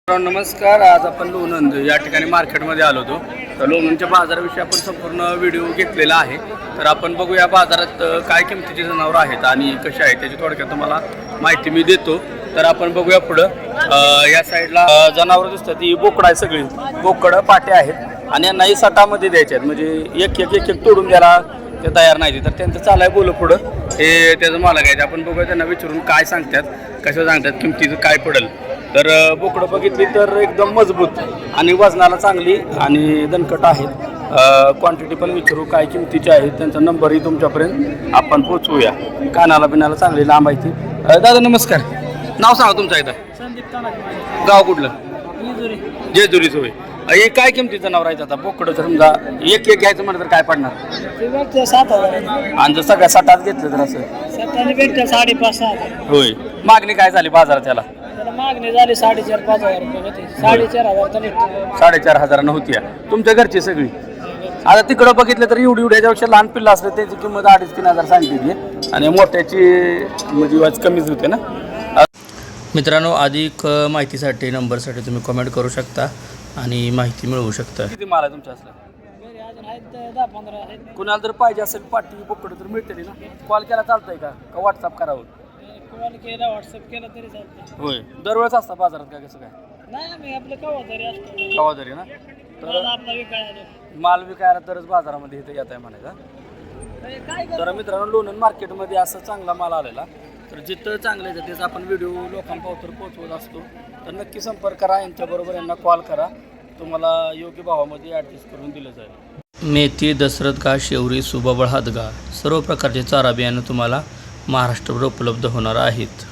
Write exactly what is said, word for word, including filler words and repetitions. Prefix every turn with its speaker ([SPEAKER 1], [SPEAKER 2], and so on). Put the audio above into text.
[SPEAKER 1] नमस्कार. आज आपण लोणंद या ठिकाणी मार्केटमध्ये आलो होतो. तर लोणंदच्या बाजाराविषयी आपण संपूर्ण व्हिडिओ घेतलेला आहे. तर आपण बघूया बाजारात काय किमतीचे जनावर आहेत आणि कसे आहेत त्याची थोडक्यात तुम्हाला माहिती मी देतो. तर आपण बघूया पुढं. या साईडला जनावरं दिसतात, ती बोकडं आहे, सगळी बोकडं पाटे आहेत आणि यांनाही सटामध्ये द्यायचे आहेत. म्हणजे एक एक एक एक तोडून द्यायला ते तयार नाही. तर त्यांचं चालाय बोल पुढं हे त्याचं मालक आहे. आपण बघूया त्यांना विचारून काय सांगतात, कसं सांगतात, किमतीचं काय पडेल. तर बोकडं बघितली तर एकदम मजबूत आणि वजनाला चांगली आणि दणकट आहेत. क्वांटिटी पण विचारू काय किमतीची आहेत, त्यांचा नंबरही तुमच्यापर्यंत आपण पोचवूया. कानाला बिनाला चांगली लांब आहे ती. दादा नमस्कार, नाव सांगा तुमचं एकदा.
[SPEAKER 2] संदीप
[SPEAKER 1] गाव कुठलं?
[SPEAKER 2] जेजुरी.
[SPEAKER 1] जेजुरीच होय. हे काय किमतीचं नाव राहायचं आता बोकडं? जर समजा एक एक घ्यायचं म्हणलं तर काय पडणार?
[SPEAKER 2] ते सात हजार
[SPEAKER 1] आणि जर सगळ्या सटात घेतलं तर असं
[SPEAKER 2] सत्ताने भेटतं साडेपाच सहा हजार.
[SPEAKER 1] होय. मागणी काय झाली बाजारात त्याला?
[SPEAKER 2] त्याला मागणी झाली साडेचार पाच हजार रुपये होते. साडेचार हजार तर भेटतं.
[SPEAKER 1] साडेचार हजार नव्हती. तुमच्या घरची सगळी आता तिकडं बघितलं तर एवढी एवढी याच्यापेक्षा लहान पिल्लं असलं त्याची किंमत अडीच तीन हजार सांगितली आणि मोठ्याची म्हणजे वाज कमीच होते ना. मित्रांनो, अधिक माहितीसाठी नंबरसाठी तुम्ही कमेंट करू शकता आणि माहिती मिळवू शकता. किती माल आहे तुमच्या असलं?
[SPEAKER 2] घरी अजून आहेत दहा पंधरा आहेत.
[SPEAKER 1] कुणाला जर पाहिजे असेल पाठी बोकडं तर मिळते ना. कॉल केला चालतंय का का व्हॉट्सअप करावं?
[SPEAKER 2] कॉल केला व्हॉट्सअप केला तरी चालतं.
[SPEAKER 1] होय. दरवेळेस असतं बाजारात का कसं काय?
[SPEAKER 2] नाही आम्ही आपलं कवा तरी असतो.
[SPEAKER 1] कवा तरी ना. तर
[SPEAKER 2] आपला विकायला
[SPEAKER 1] माल विकायला तरच बाजारामध्ये इथं येत आहे म्हणायचा.
[SPEAKER 2] काय
[SPEAKER 1] तर मित्रांनो, लोणंद मार्केटमध्ये असं चांगला माल आलेला. तर जिथं चांगलं आहे त्याचा आपण व्हिडिओ लोकांपावतर पोहोचवत असतो. तर नक्की संपर्क करा यांच्याबरोबर, यांना कॉल करा, तुम्हाला योग्य भावामध्ये ॲडजस्ट करून दिलं जाईल. मेथी, दसरथ घास, शेवरी, सुबाबळ, हातगा सर्व प्रकारचे चारा बियाणं तुम्हाला महाराष्ट्रभर उपलब्ध होणार आहेत.